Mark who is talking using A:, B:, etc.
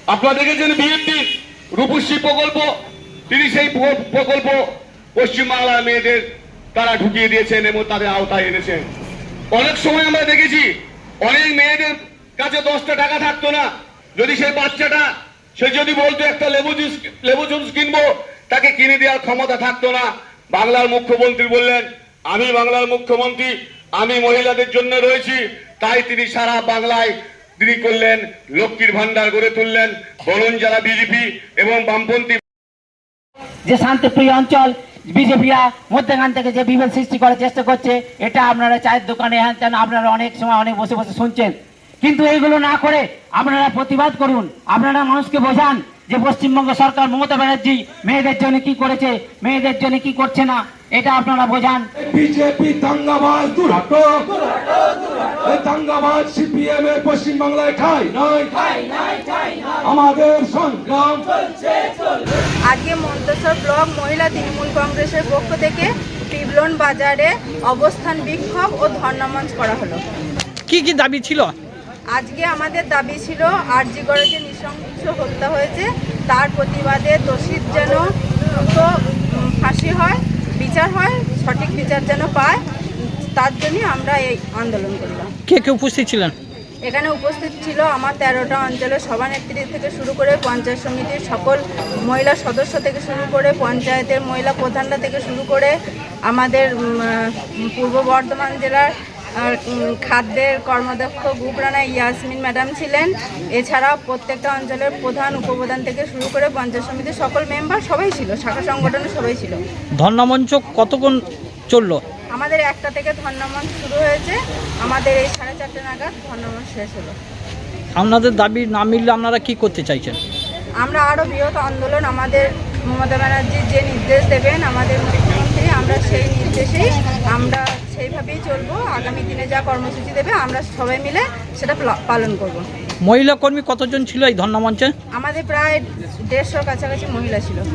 A: আপনারা দেখেছেন বিএনপি রূপশ্রী প্রকল্প, তিনি সেই প্রকল্প পশ্চিমবাংলার মেয়েদের তারা ঢুকিয়ে দিয়েছেন এবং তাদের আওতায় এনেছেন। অনেক সময় আমরা দেখেছি অনেক মেয়েদের কাছে 10টা টাকা থাকতো না, যদি সেই বাচ্চাটা সে যদি বলতো একটা লেবু জুস কিনবো, তাকে কিনে দেওয়ার ক্ষমতা থাকতো না। বাংলার মুখ্যমন্ত্রী বললেন, আমি বাংলার মুখ্যমন্ত্রী, আমি মহিলাদের জন্য রয়েছি, তাই তিনি সারা বাংলায় তিনি করলেন লক্ষ্মীর ভান্ডার গড়ে তুললেন। বলুন যারা বিজেপি এবং বামপন্থী
B: যে শান্তিপ্রিয় অঞ্চল বিজেপিরা মধ্যখান থেকে যে বিভেদ সৃষ্টি করার চেষ্টা করছে, এটা আপনারা চায়ের দোকানে হ্যান তেন আপনারা অনেক সময় অনেক বসে বসে শুনছেন, কিন্তু এইগুলো না করে আপনারা প্রতিবাদ করুন। আপনারা মানুষকে বোঝান যে পশ্চিমবঙ্গ সরকার মমতা ব্যানার্জি মেয়েদের জন্য কি করেছে, মেয়েদের জন্য কি করছে না, এটা আপনারা বোঝান।
C: বিজেপি দাঙ্গাবাজ দূর হটো, এই দাঙ্গাবাজ সিপিএম এর পশ্চিমবাংলায় ঠাঁই নাই, আমাদের সংগ্রাম চলছে।
D: আজকে মন্তেশ্বর ব্লক মহিলা তৃণমূল কংগ্রেসের পক্ষ থেকে পিবলন বাজারে অবস্থান বিক্ষোভ ও ধর্ণামঞ্চ করা হলো।
E: কি কি দাবি ছিল?
D: আজকে আমাদের দাবি ছিল আরজি করে যে নৃশংস হত্যা হয়েছে তার প্রতিবাদে দোষীর যেন দ্রুত ফাঁসি হয়, বিচার হয়, সঠিক বিচার যেন পায়, তার জন্যই আমরা এই আন্দোলন করলাম।
E: কে কে উপস্থিত ছিলেন?
D: এখানে উপস্থিত ছিল আমার 13টা অঞ্চলের সভানেত্রী থেকে শুরু করে পঞ্চায়েত সমিতির সকল মহিলা সদস্য থেকে শুরু করে পঞ্চায়েতের মহিলা প্রধানরা থেকে শুরু করে আমাদের পূর্ব বর্ধমান জেলার খাদ্যের কর্মদক্ষ গ্রুপ রানা ইয়াসমিন ম্যাডাম ছিলেন। এছাড়াও প্রত্যেকটা অঞ্চলের প্রধান উপপ্রধান থেকে শুরু করে পঞ্চায়েত সমিতির সকল মেম্বার সবাই ছিল, শাখা সংগঠনের সবাই ছিল।
E: ধর্ণামঞ্চ কতক্ষণ চললো?
D: আমাদের 1টা থেকে ধর্ণামঞ্চ শুরু হয়েছে, আমাদের এই 4:30 নাগাদ ধর্ণামঞ্চ শেষ হলো।
E: আপনাদের দাবি না মিললে আপনারা কি করতে চাইছেন?
D: আমরা আরও বৃহৎ আন্দোলন, আমাদের মমতা ব্যানার্জি যে নির্দেশ দেবেন আমাদের মুখ্যমন্ত্রী, আমরা সেই নির্দেশেই আমরা সেইভাবেই চলবো। আগামী দিনে যা কর্মসূচি দেবে আমরা সবাই মিলে সেটা পালন করব।
E: মহিলা কর্মী কতজন ছিল এই ধর্ণামঞ্চে?
D: আমাদের প্রায় 150 কাছাকাছি মহিলা ছিল।